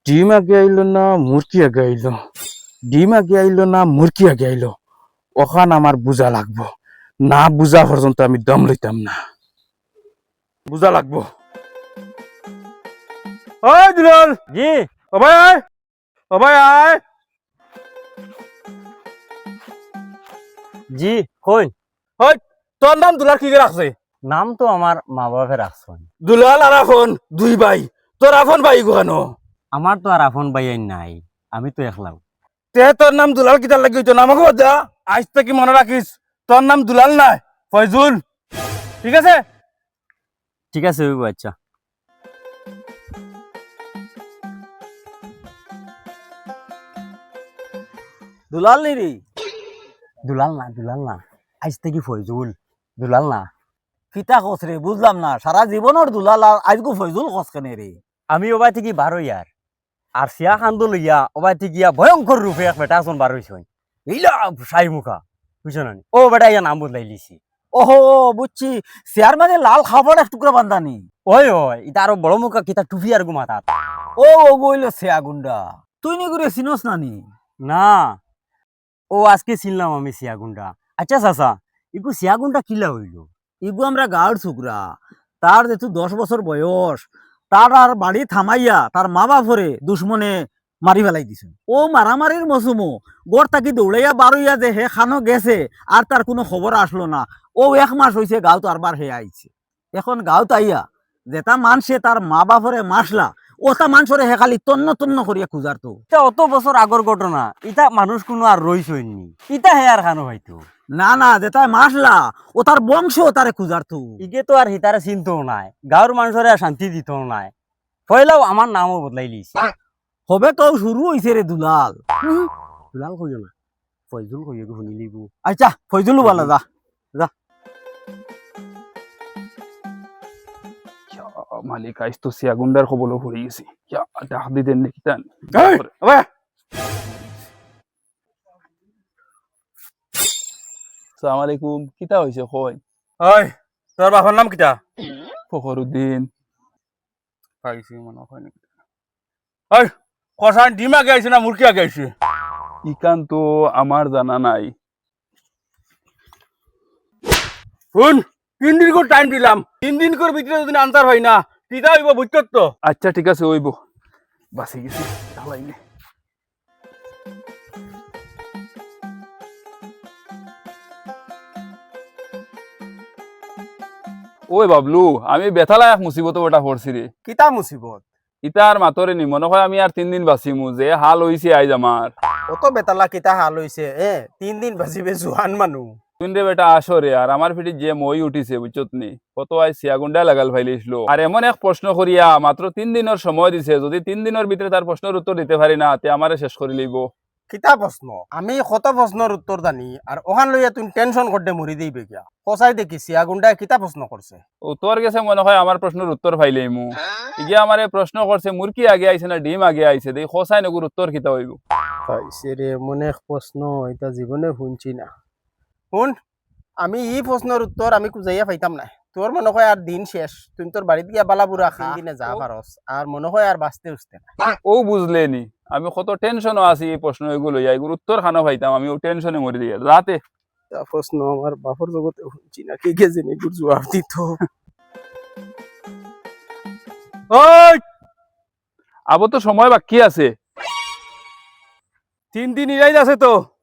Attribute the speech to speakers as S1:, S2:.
S1: ডিম আগে আইলো না মুরগি আগে আইলো, ডিম আগে আইলো না মুরগি আগে আইলো, ওখান আমার বুঝা লাগবো। না বুঝা পর্যন্ত আমি দম লইতাম না, বুঝা লাগবো। ওই দুলাল,
S2: জি
S1: ও ভাই আয়, ও ভাই আয়।
S2: জি কই
S1: ওই তোর নাম দুলাল কি করে রাখছে?
S2: নাম তো আমার মা বাপে রাখছেন।
S1: দুলাল আর আফন দুই ভাই, তোর আফন ভাই গুহানো।
S2: আমার তো আর আপন ভাই নাই, আমি তো একলা।
S1: তে তোর নাম দুলাল কিতার লাগি হইতো না আমাকে বলতে আজ থেকে মনে রাখিস, তোর নাম দুলাল নাই ফয়জুল, ঠিক আছে?
S2: ঠিক আছে ওই আচ্ছা।
S3: দুলাল নিরি
S2: দুলাল না আজ থেকে ফয়জুল, দুলাল না।
S3: কিতা কস রে বুঝলাম না, সারা জীবনের দুলাল আর আজগু ফয়জুল কস কেনে রে?
S2: আমি ওবাই থেকে বার ইয়ার আর সিয়া খান্দো লইয়া ওবাই থেকে ভয়ঙ্কর রূপে এক বেটা আসন বার হইছই, এইলা সাই মুখা বুঝছো না? ও বেটা ইয়া নাম বদলাই লিছি।
S3: ওহো বুঝছি, চেয়ার মানে লাল খাবার এক টুকরা বান্ধানি।
S2: ওই ওই এটা আরো বড় মুখা কিতা টুপি আর গুমা তাত।
S3: ও ও বইল সেয়া গুন্ডা, তুই নি করে চিনস নানি?
S2: না ও আজকে চিনলাম আমি সিয়া গুন্ডা। আচ্ছা চাচা ইগু সিয়া গুন্ডা কিলা হইল?
S3: ইগু আমরা গাঁর ছুকরা, তার যেহেতু 10 বছর বয়স, তার আর বাড়ি থামাইয়া তার মা বাপরে দুশ্মনে মারি ফেলাই দিছে। ও মারামারির মৌসুমো গড় তাকি দৌড়াইয়া বারইয়া যে হে খানো গেছে আর তার কোনো খবর আসলো না। ও 1 মাস হয়েছে গাঁত আরবার হে আইছে। এখন গাঁত আইয়া যেটা মানছে তার মা বাপরে মাসলা, ওটা মানুষরে হে খালি তন্ন তন্ন করিয়া খুঁজার তো।
S2: এটা অত বছর আগর ঘটনা, ইটা মানুষ কোনো আর রইছইনি, ইটা হে আর খানো হয়তো।
S3: না না, যেটা মাসলা ও তার বংশ তারে খুঁজার তো।
S2: ইগে তো আর হিতারে চিনতেও নাই, গাঁর মানুষরে আর শান্তি দিতেও নাই, পয়লাও আমার নামও বদলাই লিছে।
S3: হবে তো শুরু হয়েছে রে দুলাল।
S2: দুলাল কইও না, ফয়জুল কইও গো শুনি লিবু।
S3: আচ্ছা ফয়জুলু বালা যা যা।
S1: মালিক আইস তো সিয়াগুন্ডার খবরও পড়ে গেছি, ডাক দিতেন নাকি টান।
S4: আসসালামু আলাইকুম, কিতা হইছে কই?
S1: ওই তোর বাবার নাম কিটা?
S4: ফখরুদ্দিন।
S1: পাইছি মনে হয় নাকি। ওই কষান ডিম আগে আইছে না মুরগি আগে আইছে?
S4: ইকান তো আমার জানা নাই।
S1: শুন, 3 দিন করে টাইম দিলাম, 3 দিন করে ভিতরে যদি আনসার হয় না কিতা হইব বুঝছ তো?
S4: আচ্ছা ঠিক আছে ওইব, বাসি গেছি ঢালাইলে। ওই বাবলু, আমি বেথালা এক মুসিবত ওটা পড়ছি রে।
S3: কিতা মুসিবত?
S4: ইতার মাতরে নি মনে হয় আমি আর 3 দিন বাঁচিমু, যে হাল হইছে আইজ আমার।
S3: অত বেতালা কিতা হাল হইছে 3 দিন বাজিবে জোহান মানুষ।
S4: তুই রে বেটা আসরে, আর আমার ফিটি যে মই উঠিছে বুঝছত নি, কত আই সিয়াগুন্ডা লাগাল ফাইলিছিল। আর এমন এক প্রশ্ন করিয়া মাত্র 3 দিনের সময় দিছে, যদি 3 দিনের ভিতরে তার প্রশ্নের উত্তর দিতে পারি না তে আমারে শেষ করে লইব।
S5: কিতা প্রশ্ন? আমি কত প্রশ্নের উত্তর জানি আর ওখান লইয়া তুমি টেনশন করতে মরি দিবে কিয়া? কসাই দেখি সিয়াগুন্ডায় কিতা প্রশ্ন করছে?
S4: ও তোর গেছে মনে হয় আমার প্রশ্নের উত্তর পাইলেই মু ইগে আমারে প্রশ্ন করছে মুরগি আগে আইছে না ডিম আগে আইছে, দেই খোসাই নগুর উত্তর কিতা হইব?
S5: পাইছে রে মনে প্রশ্ন, এটা জীবনে শুনছি না। শুন, আমি এই প্রশ্নের উত্তর আমি খুঁজাইয়া পাইতাম না। তোর মনে হয় আর দিন শেষ, তুমি তোর বাড়িতে গিয়া বালাবুরা 3 দিনে যা পারস, আর মনে হয় আর বাঁচতে উঠতে না।
S4: ও বুঝলে নি, আমি কত টেনশনও আছি এই প্রশ্ন এগুলো এগুর উত্তর খানো পাইতাম, আমি ও টেনশনে মরে দিয়ে রাতে।
S5: তা প্রশ্ন আমার বাপর জগতে শুনছি না, কে কে জানি গুর জবাব দিত।
S4: ওই আবো তো সময় বাকি আছে।
S1: 3 দিন ইরাই আছে তো।